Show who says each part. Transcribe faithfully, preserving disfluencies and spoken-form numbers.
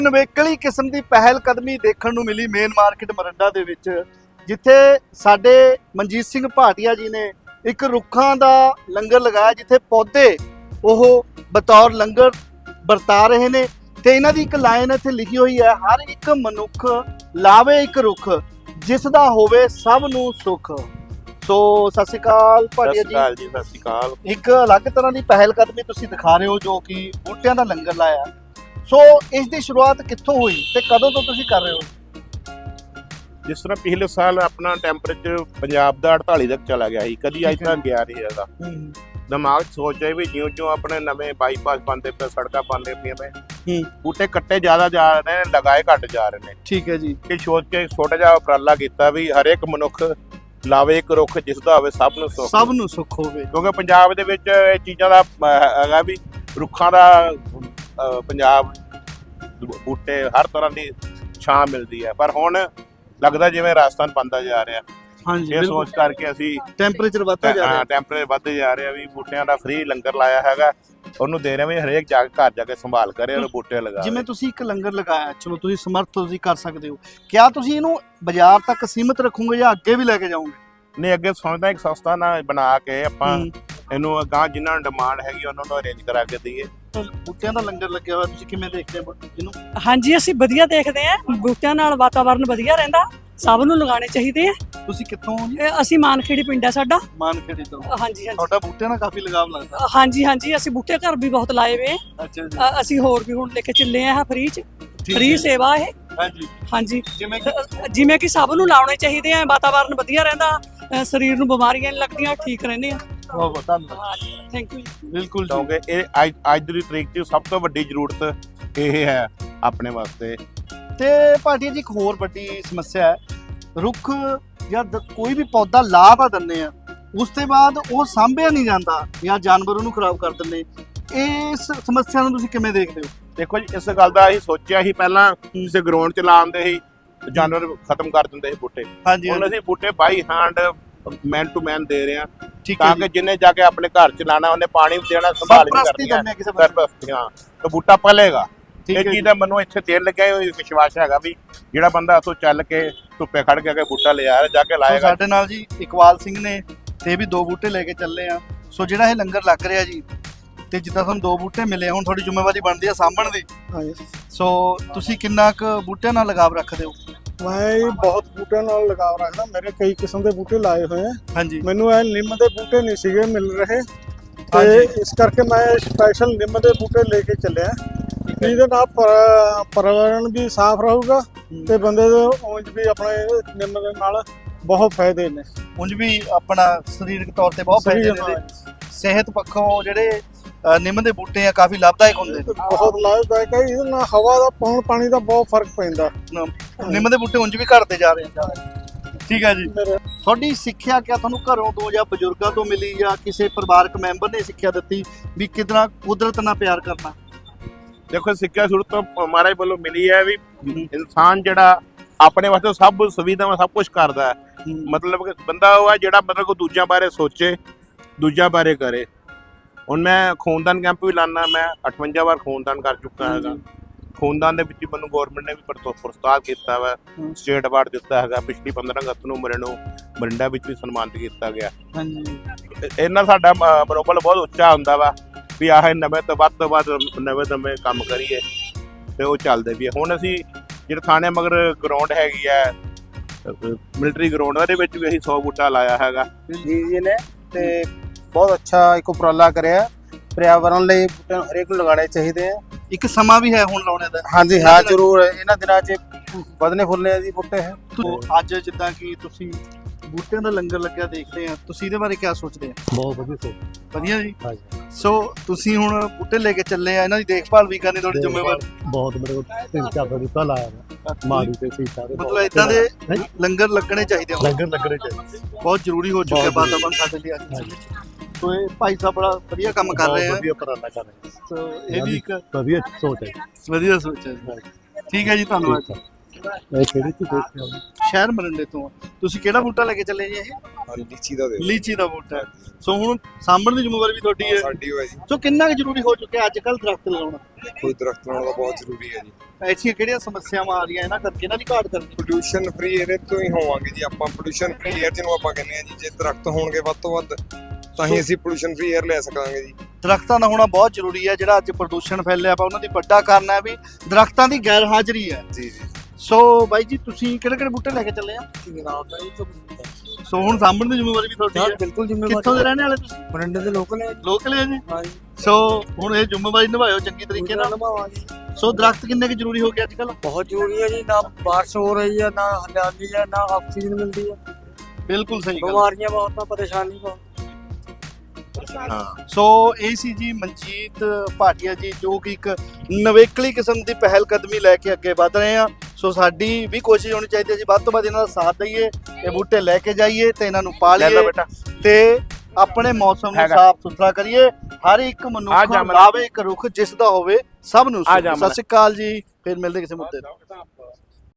Speaker 1: ਨਵੇਕਲੀ ਕਿਸਮ ਦੀ ਪਹਿਲ ਕਦਮੀ ਦੇਖਣ ਨੂੰ ਮਿਲੀ ਮੇਨ ਮਾਰਕੀਟ ਮਰੰਡਾ ਦੇ ਵਿੱਚ, ਜਿੱਥੇ ਸਾਡੇ ਮਨਜੀਤ ਸਿੰਘ ਭਾਟੀਆ ਜੀ ਨੇ ਇੱਕ ਰੁੱਖਾਂ ਦਾ ਲੰਗਰ ਲਗਾਇਆ, ਜਿੱਥੇ ਪੌਦੇ ਉਹ ਬਤੌਰ ਲੰਗਰ ਵਰਤਾ ਰਹੇ ਨੇ। ਤੇ ਇਹਨਾਂ ਦੀ ਇੱਕ ਲਾਈਨ ਇੱਥੇ ਲਿਖੀ ਹੋਈ ਹੈ, ਹਰ ਇੱਕ ਮਨੁੱਖ ਲਾਵੇ ਇੱਕ ਰੁੱਖ, ਜਿਸ ਦਾ ਹੋਵੇ ਸਭ ਨੂੰ ਸੁੱਖ। ਸੋ ਸਤਿ ਸ਼੍ਰੀ ਅਕਾਲ ਭਾਟੀਆ ਜੀ।
Speaker 2: ਜੀ ਸਤਿ ਸ਼੍ਰੀ ਅਕਾਲ।
Speaker 1: ਇੱਕ ਅਲੱਗ ਤਰ੍ਹਾਂ ਦੀ ਪਹਿਲ ਕਦਮੀ ਤੁਸੀਂ ਦਿਖਾ ਰਹੇ ਹੋ, ਜੋ ਕਿ ਬੂਟਿਆਂ ਦਾ ਲੰਗਰ ਲਾਇਆ। ਸੋ ਇਸ ਦੀ ਸ਼ੁਰੂਆਤ ਕਿੱਥੋਂ ਹੋਈ ਤੇ ਕਦੋਂ ਤੋਂ ਤੁਸੀਂ ਕਰ ਰਹੇ ਹੋ?
Speaker 2: ਜਿਸ ਤਰ੍ਹਾਂ ਪਿਛਲੇ ਸਾਲ ਆਪਣਾ ਟੈਂਪਰੇਚਰ ਪੰਜਾਬ ਦਾ ਅੜਤਾਲੀ ਤੱਕ ਚਲਾ ਗਿਆ ਸੀ, ਕਦੀ ਅੱਜ ਤੱਕ ਗਿਆ ਨਹੀਂ ਹੈਗਾ। ਦਿਮਾਗ 'ਚ ਸੋਚ ਆਈ ਵੀ ਜਿਉਂ ਜਿਉਂ ਆਪਣੇ ਨਵੇਂ ਬਾਈਪਾਸ ਬਣਦੇ ਪਏ, ਸੜਕਾਂ ਬਣਦੇ ਪਈਆਂ ਪਏ, ਬੂਟੇ ਕੱਟੇ ਜ਼ਿਆਦਾ ਜਾ ਰਹੇ ਨੇ, ਲਗਾਏ ਘੱਟ ਜਾ ਰਹੇ ਨੇ।
Speaker 1: ਠੀਕ ਹੈ ਜੀ।
Speaker 2: ਇਹ ਸੋਚ ਕੇ ਛੋਟਾ ਜਿਹਾ ਉਪਰਾਲਾ ਕੀਤਾ ਵੀ ਹਰੇਕ ਮਨੁੱਖ ਲਾਵੇ ਇੱਕ ਰੁੱਖ, ਜਿਸ ਦਾ ਹੋਵੇ ਸਭ ਨੂੰ ਸੁੱਖ
Speaker 1: ਸਭ ਨੂੰ ਸੁੱਖ ਹੋਵੇ।
Speaker 2: ਕਿਉਂਕਿ ਪੰਜਾਬ ਦੇ ਵਿੱਚ ਇਹ ਚੀਜ਼ਾਂ ਦਾ ਹੈਗਾ ਵੀ ਰੁੱਖਾਂ ਦਾ ਪੰਜਾਬ ਬੂਟੇ ਹਰ ਤਰ੍ਹਾਂ ਦੀ ਛਾਂ ਮਿਲਦੀ ਹੈ, ਪਰ ਹੁਣ ਲੱਗਦਾ ਜਿਵੇਂ ਰਾਜਸਥਾਨ ਬਣਦਾ ਜਾ ਰਿਹਾ।
Speaker 1: ਹਾਂਜੀ,
Speaker 2: ਇਹ ਸੋਚ ਕਰਕੇ ਅਸੀਂ
Speaker 1: ਟੈਂਪਰੇਚਰ ਵੱਧਦਾ ਜਾ ਰਿਹਾ
Speaker 2: ਹਾਂ ਟੈਂਪਰੇਚਰ ਵੱਧਦੇ ਜਾ ਰਿਹਾ ਵੀ ਬੂਟਿਆਂ ਦਾ ਫ੍ਰੀ ਲੰਗਰ ਲਾਇਆ ਹੈਗਾ, ਉਹਨੂੰ ਦੇ ਰਹੇ ਵੀ ਹਰੇਕ ਜਾ ਕੇ ਘਰ ਜਾ ਕੇ ਸੰਭਾਲ ਕਰੇ ਔਰ ਬੂਟੇ ਲਗਾ।
Speaker 1: ਜਿਵੇਂ ਤੁਸੀਂ ਇੱਕ ਲੰਗਰ ਲਗਾਇਆ, ਚਲੋ ਤੁਸੀਂ ਸਮਰਥ ਤੁਸੀਂ ਕਰ ਸਕਦੇ ਹੋ, ਕਿਆ ਤੁਸੀਂ ਇਹਨੂੰ ਬਾਜ਼ਾਰ ਤੱਕ ਸੀਮਿਤ ਰੱਖੋਗੇ ਜਾਂ ਅੱਗੇ ਵੀ ਲੈ ਕੇ ਜਾਓਗੇ?
Speaker 2: ਨਹੀਂ, ਅੱਗੇ ਸੋਚਦਾ ਇੱਕ ਸੰਸਥਾ ਨਾਲ ਬਣਾ ਕੇ ਆਪਾਂ ਇਹਨੂੰ ਅਗਾਂਹ ਜਿਨ੍ਹਾਂ ਨੂੰ ਡਿਮਾਂਡ ਹੈਗੀ ਉਹਨਾਂ ਨੂੰ ਅਰੇਂਜ ਕਰਾ ਕੇ ਦਈਏ।
Speaker 1: ਬੂਟਿਆਂ ਦਾ ਲੰਗਰ ਲੱਗਿਆ ਹੋਇਆ, ਤੁਸੀਂ ਕਿਵੇਂ ਦੇਖਦੇ ਹੋ ਇਹਨੂੰ?
Speaker 3: ਹਾਂਜੀ, ਅਸੀਂ ਵਧੀਆ ਦੇਖਦੇ ਹਾਂ। ਬੂਟਿਆਂ ਨਾਲ ਵਾਤਾਵਰਨ ਵਧੀਆ ਰਹਿੰਦਾ, ਸਭ ਨੂੰ ਲਗਾਉਣੇ ਚਾਹੀਦੇ ਆ।
Speaker 1: ਤੁਸੀਂ ਕਿੱਥੋਂ ਹੋ ਜੀ?
Speaker 3: ਇਹ ਅਸੀਂ ਮਾਨਖੇੜੀ ਪਿੰਡ ਹੈ ਸਾਡਾ।
Speaker 1: ਮਾਨਖੇੜੀ ਤੋਂ?
Speaker 3: ਹਾਂਜੀ ਹਾਂਜੀ।
Speaker 1: ਤੁਹਾਡਾ ਬੂਟਿਆਂ ਨਾਲ ਕਾਫੀ ਲਗਾਵ ਲੱਗਦਾ।
Speaker 3: ਹਾਂਜੀ ਹਾਂਜੀ, ਅਸੀਂ ਬੂਟੇ ਘਰ ਵੀ ਬਹੁਤ ਲਾਏ ਵੇ।
Speaker 1: ਅੱਛਾ ਜੀ।
Speaker 3: ਅ- ਅਸੀਂ ਹੋਰ ਵੀ ਹੁਣ ਲੈ ਕੇ ਚੱਲੇ ਆ ਫ੍ਰੀ ਚ, ਫ੍ਰੀ ਸੇਵਾ ਇਹ।
Speaker 1: ਹਾਂਜੀ
Speaker 3: ਹਾਂਜੀ,
Speaker 1: ਜਿਵੇਂ ਕਿ
Speaker 3: ਜਿਵੇਂ ਕਿ ਸਭ ਨੂੰ ਲਾਉਣੇ ਚਾਹੀਦੇ ਆ, ਵਾਤਾਵਰਨ ਵਧੀਆ ਰਹਿੰਦਾ, ਅ, ਸਰੀਰ ਨੂੰ ਬਿਮਾਰੀਆਂ ਨਹੀਂ ਲੱਗਦੀਆਂ, ਠੀਕ ਰਹਿੰਦੇ ਆ।
Speaker 1: ਬਹੁਤ ਬਹੁਤ ਧੰਨਵਾਦ।
Speaker 3: Thank you.
Speaker 1: ਬਿਲਕੁਲ ਜੀ।
Speaker 2: ਕਿਉਂਕਿ ਇਹ ਅੱਜ ਅੱਜ ਦੀ ਤਰੀਕ 'ਚ ਸਭ ਤੋਂ ਵੱਡੀ ਜ਼ਰੂਰਤ ਇਹ ਹੈ ਆਪਣੇ ਵਾਸਤੇ।
Speaker 1: ਤੇ ਭਾਟੀਆ ਜੀ, ਇੱਕ ਹੋਰ ਵੱਡੀ ਸਮੱਸਿਆ ਹੈ, ਰੁੱਖ ਜਾਂ ਦ- ਕੋਈ ਵੀ ਪੌਦਾ ਲਾ ਤਾਂ ਦਿੰਦੇ ਆ, ਉਸ ਤੋਂ ਬਾਅਦ ਉਹ ਸਾਂਭਿਆ ਨਹੀਂ ਜਾਂਦਾ ਜਾਂ ਜਾਨਵਰ ਉਹਨੂੰ ਖਰਾਬ ਕਰ ਦਿੰਦੇ। ਇਸ ਸਮੱਸਿਆ ਨੂੰ ਤੁਸੀਂ ਕਿਵੇਂ ਦੇਖਦੇ ਹੋ?
Speaker 2: ਦੇਖੋ ਜੀ, ਇਸ ਗੱਲ ਦਾ ਅਸੀਂ ਸੋਚਿਆ ਸੀ ਪਹਿਲਾਂ, ਕਿਸੇ ਗਰਾਊਂਡ 'ਚ ਲਾਉਂਦੇ ਸੀ ਜਾਨਵਰ ਖਤਮ ਕਰ ਦਿੰਦੇ ਸੀ ਬੂਟੇ।
Speaker 1: ਹਾਂਜੀ
Speaker 2: ਹੁਣ ਅਸੀਂ ਬੂਟੇ ਬਾਈ ਹੈਂਡ ਮੈਨ ਟੂ ਮੈਨ ਦੇ ਰਹੇ ਹਾਂ,
Speaker 1: ਠੀਕ ਹੈ
Speaker 2: ਤਾਂ
Speaker 1: ਜੀ।
Speaker 2: ਕਿ ਜਿੰਨੇ ਜਾ ਕੇ ਆਪਣੇ ਘਰ 'ਚ ਲਾਣਾ ਉਹਨੇ ਪਾਣੀ ਵੀ ਦੇਣਾ, ਸੰਭਾਲ ਵੀ
Speaker 1: ਸਰਪ੍ਰਸਤੀ
Speaker 2: ਕਰਨੀ ਹੈ।
Speaker 1: ਕਰਨੀ ਹੈ ਕਿਸੇ ਬੰਦੇ ਦੀ।
Speaker 2: ਸਰਪ੍ਰਸਤੀ, ਹਾਂ, ਤੇ ਬੂਟਾ ਪਲੇਗਾ।
Speaker 1: ਠੀਕ
Speaker 2: ਇਹ
Speaker 1: ਹੈ
Speaker 2: ਚੀਜ਼ ਦਾ ਮੈਨੂੰ ਇੱਥੇ ਤੇਲ ਲੱਗਿਆ ਹੋਇਆ ਵਿਸ਼ਵਾਸ ਹੈਗਾ ਵੀ ਜਿਹੜਾ ਬੰਦਾ ਉੱਥੋਂ ਚੱਲ ਕੇ ਧੁੱਪੇ ਖੜ ਕੇ ਬੂਟਾ ਲਿਆ ਜਾ ਕੇ
Speaker 1: ਸੋ
Speaker 2: ਲਾਏਗਾ।
Speaker 1: ਸਾਡੇ ਨਾਲ ਜੀ ਇਕਬਾਲ ਸਿੰਘ ਨੇ ਤੇ ਵੀ ਦੋ ਬੂਟੇ ਲੈ ਕੇ ਚੱਲੇ ਆ। ਸੋ ਜਿਹੜਾ ਇਹ ਲੰਗਰ ਲੱਗ ਰਿਹਾ ਜੀ, ਤੇ ਜਿੱਦਾਂ ਤੁਹਾਨੂੰ ਦੋ ਬੂਟੇ ਮਿਲੇ, ਹੁਣ ਤੁਹਾਡੀ ਜ਼ਿੰਮੇਵਾਰੀ ਬਣਦੀ ਆ ਸਾਂਭਣ ਦੀ। ਸੋ ਤੁਸੀਂ ਕਿੰਨਾ ਕੁ ਬੂਟਿਆਂ ਨਾਲ ਲਗਾਵ ਰੱਖਦੇ ਹੋ?
Speaker 4: ਮੈਂ ਬਹੁਤ ਬੂਟਿਆਂ ਨਾਲ ਲਗਾਵ ਰੱਖਦਾ, ਮੇਰੇ ਕਈ ਕਿਸਮ ਦੇ ਬੂਟੇ ਲਾਏ ਹੋਏ ਆ।
Speaker 1: ਹਾਂਜੀ।
Speaker 4: ਮੈਨੂੰ ਇਹ ਨਿੰਮ ਦੇ ਬੂਟੇ ਨਹੀਂ ਸੀਗੇ ਮਿਲ ਰਹੇ, ਤੇ
Speaker 1: ਹਾਂਜੀ।
Speaker 4: ਇਸ ਕਰਕੇ ਮੈਂ ਸਪੈਸ਼ਲ ਨਿੰਮ ਦੇ ਬੂਟੇ ਲੈ ਕੇ ਚੱਲਿਆ। ਇਹਦੇ ਨਾਲ ਪਰ- ਪਰਿਆਵਰਣ ਵੀ ਸਾਫ਼ ਰਹੂਗਾ ਤੇ ਬੰਦੇ ਦੇ ਉਂਝ ਵੀ ਆਪਣੇ ਨਿੰਮ ਦੇ ਨਾਲ ਬਹੁਤ ਫਾਇਦੇ ਨੇ।
Speaker 1: ਉਂਝ ਵੀ ਆਪਣਾ ਸਰੀਰਕ ਤੌਰ ਤੇ ਬਹੁਤ ਫਾਇਦੇ ਨੇ ਇਹਦੇ। ਸਿਹਤ ਪੱਖੋਂ ਜਿਹੜੇ ਅ, ਨਿੰਮ ਦੇ ਬੂਟੇ ਆ ਕਾਫੀ ਲਾਭਦਾਇਕ ਹੁੰਦੇ ਨੇ।
Speaker 4: ਬਹੁਤ ਲਾਭਦਾਇਕ ਹੈ। ਇਹਦੇ ਨਾਲ ਹਵਾ ਦਾ ਪੌਣ ਪਾਣੀ ਦਾ ਬਹੁਤ ਫਰਕ ਪੈਂਦਾ।
Speaker 1: ਨਿੰਮ ਦੇ ਬੂਟੇ ਉਂਝ ਵੀ ਘਟਦੇ ਜਾ ਰਹੇ ਆ। ਠੀਕ ਹੈ ਜੀ।
Speaker 4: ਮੇਰੇ
Speaker 1: ਤੁਹਾਡੀ ਸਿੱਖਿਆ ਕਿਆ ਤੁਹਾਨੂੰ ਘਰੋਂ ਤੋਂ ਜਾਂ ਬਜ਼ੁਰਗਾਂ ਤੋਂ ਮਿਲੀ, ਜਾਂ ਕਿਸੇ ਪਰਿਵਾਰਕ ਮੈਂਬਰ ਨੇ ਸਿੱਖਿਆ ਦਿੱਤੀ ਵੀ ਕਿਦਾਂ ਕੁਦਰਤ ਨਾਲ ਪਿਆਰ ਕਰਨਾ?
Speaker 2: ਦੇਖੋ, ਸਿੱਖਿਆ ਸ਼ੁਰੂ ਤੋਂ ਮਹਾਰਾਜ ਵੱਲੋਂ ਮਿਲੀ ਹੈ ਵੀ ਇਨਸਾਨ ਜਿਹੜਾ ਆਪਣੇ ਵਾਸਤੇ ਸਭ ਸੁਵਿਧਾਵਾਂ ਸਭ ਕੁਝ ਕਰਦਾ ਹੈ। ਮਤਲਬ ਕਿ ਬੰਦਾ ਉਹ ਹੈ ਜਿਹੜਾ ਮਤਲਬ ਕੋਈ ਦੂਜਿਆਂ ਬਾਰੇ ਸੋਚੇ, ਦੂਜਿਆਂ ਬਾਰੇ ਕਰੇ। ਹੁਣ ਮੈਂ ਖੂਨਦਾਨ ਕੈਂਪ ਵੀ ਲਾਣਾ, ਮੈਂ ਅਠਵੰਜਾ ਵਾਰ ਖੂਨਦਾਨ ਕਰ ਚੁੱਕਾ ਹੈਗਾ। ਖੂਨਦਾਨ ਦੇ ਵਿੱਚ ਮੈਨੂੰ ਗੌਰਮੈਂਟ ਨੇ ਵੀ ਪੁਰਸਕਾਰ ਕੀਤਾ ਵਾ, ਸਟੇਟ ਅਵਾਰਡ ਦਿੱਤਾ ਹੈਗਾ। ਪਿਛਲੀ ਪੰਦਰਾਂ ਅਗਸਤ ਨੂੰ ਮੇਰੇ ਨੂੰ ਮਰਿੰਡਾ ਵਿੱਚ ਵੀ ਸਨਮਾਨਿਤ ਕੀਤਾ ਗਿਆ।
Speaker 1: ਹਾਂਜੀ।
Speaker 2: ਇਹਨਾਂ ਸਾਡਾ ਮਨੋਬਲ ਬਹੁਤ ਉੱਚਾ ਹੁੰਦਾ ਵਾ ਵੀ ਆਹ ਨਵੇਂ ਤੋਂ ਵੱਧ ਤੋਂ ਵੱਧ ਨਵੇਂ ਨਵੇਂ ਕੰਮ ਕਰੀਏ, ਤੇ ਉਹ ਚੱਲਦੇ ਵੀ। ਹੁਣ ਅਸੀਂ ਜਿਹੜੇ ਥਾਣੇ ਮਗਰ ਗਰਾਊਂਡ ਹੈਗੀ ਹੈ, ਮਿਲਟਰੀ ਗਰਾਊਂਡ, ਉਹਦੇ ਵਿੱਚ ਵੀ ਅਸੀਂ ਸੌ ਬੂਟਾ ਲਾਇਆ ਹੈਗਾ।
Speaker 5: ਜੀ ਜੀ ਨੇ ਤੇ ਬਹੁਤ ਅੱਛਾ ਇੱਕ ਉਪਰਾਲਾ ਕਰਿਆ। ਪਰਿਆਵਰਣ ਲਈ ਬੂਟੇ ਹਰੇਕ ਨੂੰ ਲਗਾਉਣੇ ਚਾਹੀਦੇ ਆ।
Speaker 1: ਇੱਕ ਸਮਾਂ ਵੀ ਹੈ ਹੁਣ ਲਾਉਣੇ ਦਾ।
Speaker 5: ਹਾਂਜੀ ਹਾਂ, ਜ਼ਰੂਰ। ਇਹਨਾਂ ਦਿਨਾਂ 'ਚ ਵਧਨੇ ਫੁੱਲਨੇ ਦੀ ਬੂਟੇ ਹੈ।
Speaker 1: ਤੋ ਅੱਜ ਜਿੱਦਾਂ ਕਿ ਤੁਸੀਂ ਬੂਟਿਆਂ ਦਾ ਲੰਗਰ ਲੱਗਿਆ ਦੇਖਦੇ ਆ, ਤੁਸੀਂ ਇਹਦੇ ਬਾਰੇ ਕੀ ਸੋਚਦੇ ਆ?
Speaker 4: ਬਹੁਤ ਵਧੀਆ ਸੋਚ।
Speaker 1: ਵਧੀਆ ਜੀ।
Speaker 4: ਹਾਂਜੀ।
Speaker 1: ਸੋ ਤੁਸੀਂ ਹੁਣ ਬੂਟੇ ਲੈ ਕੇ ਚੱਲੇ ਆ, ਇਹਨਾਂ ਦੀ ਦੇਖਭਾਲ ਵੀ ਕਰਨੀ ਤੁਹਾਡੀ ਜ਼ਿੰਮੇਵਾਰੀ।
Speaker 4: ਬਹੁਤ ਮੇਰੇ ਕੋਲ ਤਿੰਨ ਚਾਰ ਬੂਟਾ ਲਾਇਆ ਵਾ, ਮਾੜੀ ਤੇ ਸੀ ਸਾਰੇ।
Speaker 1: ਮਤਲਬ ਇਦਾਂ ਦੇ ਲੰਗਰ ਲੱਗਣੇ ਚਾਹੀਦੇ ਆ,
Speaker 4: ਲੰਗਰ ਲੱਗਣੇ ਚਾਹੀਦੇ,
Speaker 1: ਬਹੁਤ ਜ਼ਰੂਰੀ ਹੋ ਚੁੱਕਿਆ ਵਾਤਾਵਰਨ ਸਾਡੇ ਲਈ ਅੱਜ। ਸੋ ਇਹ ਭਾਈ ਸਾਹਿਬ ਬੜਾ ਵਧੀਆ ਕੰਮ ਕਰ ਰਹੇ ਆ।
Speaker 4: ਵਧੀਆ ਉਪਰਾਲਾ ਕਰ ਰਹੇ।
Speaker 1: ਸੋ ਇਹ ਵੀ ਇੱਕ
Speaker 4: ਵਧੀਆ ਸੋਚ ਹੈ।
Speaker 1: ਵਧੀਆ ਸੋਚ ਹੈ। ਠੀਕ ਹੈ ਜੀ, ਧੰਨਵਾਦ।
Speaker 4: ਇਹ ਕਿਹੜੀ ਚੀਜ਼ ਦੇਖੀ ਆ
Speaker 1: ਸ਼ਹਿਰ ਮਰਿੰਡੇ ਤੋਂ ਆ। ਤੁਸੀਂ ਕਿਹੜਾ ਬੂਟਾ ਲੈ ਕੇ ਚੱਲੇ ਜੀ? ਇਹ
Speaker 6: ਲੀਚੀ ਦਾ ਦੇ
Speaker 1: ਲੀਚੀ ਦਾ ਬੂਟਾ ਹੈ। ਸੋ ਹੁਣ ਸਾਂਭਣ ਦੀ ਜ਼ਿੰਮੇਵਾਰੀ ਵੀ ਤੁਹਾਡੀ ਹੈ।
Speaker 6: ਸਾਡੀ ਹੋਇਆ ਜੀ।
Speaker 1: ਸੋ ਕਿੰਨਾ ਕੁ ਜ਼ਰੂਰੀ ਹੋ ਚੁੱਕਿਆ ਅੱਜ ਕੱਲ੍ਹ ਦਰਖਤ ਲਗਾਉਣਾ?
Speaker 6: ਕੋਈ ਦਰਖਤ ਲਾਉਣਾ ਤਾਂ ਬਹੁਤ ਜ਼ਰੂਰੀ ਹੈ ਜੀ।
Speaker 1: ਐਸੀਆਂ ਕਿਹੜੀਆਂ ਸਮੱਸਿਆਵਾਂ ਆ ਰਹੀਆਂ ਇਹਨਾਂ ਕਰਕੇ, ਇਹਨਾਂ ਦੀ ਘਾਟ ਕਰਕੇ?
Speaker 6: ਪੋਲੂਸ਼ਨ ਫ੍ਰੀ ਏਅਰ ਤੋਂ ਹੀ ਹੋਵਾਂਗੇ ਜੀ ਆਪਾਂ। ਪੋਲੂਸ਼ਨ ਫ੍ਰੀ ਏਅਰ ਜਿਹਨੂੰ ਆਪਾਂ ਕਹਿੰਦੇ ਆ ਜੀ, ਜੇ ਦਰਖਤ ਹੋਣਗੇ ਵੱਧ ਤੋਂ ਵੱਧ ਤਾਂ ਹੀ ਅਸੀਂ ਪੋਲੂਸ਼ਨ ਫ੍ਰੀ ਏਅਰ ਲੈ ਸਕਾਂਗੇ ਜੀ।
Speaker 1: ਦਰਖਤਾਂ ਦਾ ਹੋਣਾ ਬਹੁਤ ਜ਼ਰੂਰੀ ਹੈ। ਜਿਹੜਾ ਅੱਜ ਪ੍ਰਦੂਸ਼ਣ ਫੈਲਿਆ ਪਿਆ ਉਹਨਾਂ ਦੀ ਵੱਡਾ ਕਾਰਨ ਹੈ ਵੀ ਦਰਖਤਾਂ ਦੀ ਗੈਰ ਹਾਜ਼ਰੀ ਹੈ।
Speaker 6: ਜੀ ਜੀ।
Speaker 1: ਸੋ ਬਾਈ ਜੀ ਤੁਸੀਂ ਕਿਹੜੇ ਕਿਹੜੇ ਬੂਟੇ ਲੈ ਕੇ ਚੱਲੇ ਆ? ਸੋ ਹੁਣ ਸਾਂਭਣ ਦੀ ਜ਼ਿੰਮੇਵਾਰੀ ਵੀ ਤੁਹਾਡੀ ਹੈ।
Speaker 4: ਬਿਲਕੁਲ
Speaker 1: ਕਿੱਥੋਂ ਦੇ ਰਹਿਣੇ ਵਾਲੇ ਤੁਸੀਂ?
Speaker 4: ਮਰਿੰਡੇ ਦੇ ਲੋਕਲ ਹੈ
Speaker 1: ਲੋਕਲ ਹੈ ਜੀ।
Speaker 4: ਹਾਂ ਜੀ।
Speaker 1: ਸੋ ਹੁਣ ਇਹ ਜ਼ਿੰਮੇਵਾਰੀ ਨਿਭਾਇਓ ਚੰਗੀ ਤਰੀਕੇ ਨਾਲ।
Speaker 4: ਨਿਭਾਵਾਂਗੇ।
Speaker 1: ਸੋ ਦਰਖਤ ਕਿੰਨੇ ਕੁ ਜ਼ਰੂਰੀ ਹੋ ਗਏ ਅੱਜ ਕੱਲ੍ਹ?
Speaker 4: ਬਹੁਤ ਜ਼ਰੂਰੀ ਹੈ ਜੀ। ਨਾ ਬਾਰਿਸ਼ ਹੋ ਰਹੀ ਹੈ, ਨਾ ਹਰਿਆਲੀ ਹੈ, ਨਾ ਆਕਸੀਜਨ ਮਿਲਦੀ ਹੈ।
Speaker 1: ਬਿਲਕੁਲ ਸਹੀ ਗੱਲ।
Speaker 4: ਬਿਮਾਰੀਆਂ ਬਹੁਤ ਆ, ਪਰੇਸ਼ਾਨੀ ਬਹੁਤ।
Speaker 1: ਹਾਂ। ਸੋ ਇਹ ਸੀ ਜੀ ਮਨਜੀਤ ਭਾਟੀਆ ਜੀ, ਜੋ ਕਿ ਇੱਕ ਨਵੇਕਲੀ ਕਿਸਮ ਦੀ ਪਹਿਲ ਕਦਮੀ ਲੈ ਕੇ ਅੱਗੇ ਵਧ ਰਹੇ ਆ। ਸੋ ਸਾਡੀ ਵੀ ਕੋਸ਼ਿਸ਼ ਹੋਣੀ ਚਾਹੀਦੀ ਹੈ ਜੀ ਵੱਧ ਤੋਂ ਵੱਧ ਇਹਨਾਂ ਦਾ ਸਾਥ ਦਈਏ, ਇਹ ਬੂਟੇ ਲੈ ਕੇ ਜਾਈਏ ਤੇ ਇਹਨਾਂ ਨੂੰ
Speaker 2: ਲੈ
Speaker 1: ਪਾਲੀਏ
Speaker 2: ਲਓ ਬੇਟਾ।
Speaker 1: ਤੇ ਆਪਣੇ ਮੌਸਮ ਨੂੰ
Speaker 2: ਹੈਗਾ।
Speaker 1: ਸਾਫ਼ ਸੁਥਰਾ ਕਰੀਏ। ਹਰ ਇੱਕ
Speaker 2: ਆ
Speaker 1: ਮਨੁੱਖ
Speaker 2: ਜਾ ਮਨ-
Speaker 1: ਲਾਵੇ ਇੱਕ ਰੁੱਖ ਜਿਸ ਦਾ ਹੋਵੇ ਸਭ ਨੂੰ
Speaker 2: ਆ
Speaker 1: ਸੁੱਖ।
Speaker 2: ਜਾ ਮਨ-
Speaker 1: ਸਤਿ ਸ਼੍ਰੀ ਅਕਾਲ ਜੀ, ਫਿਰ ਮਿਲਦੇ ਕਿਸੇ ਮੁੱਦੇ ਤੇ।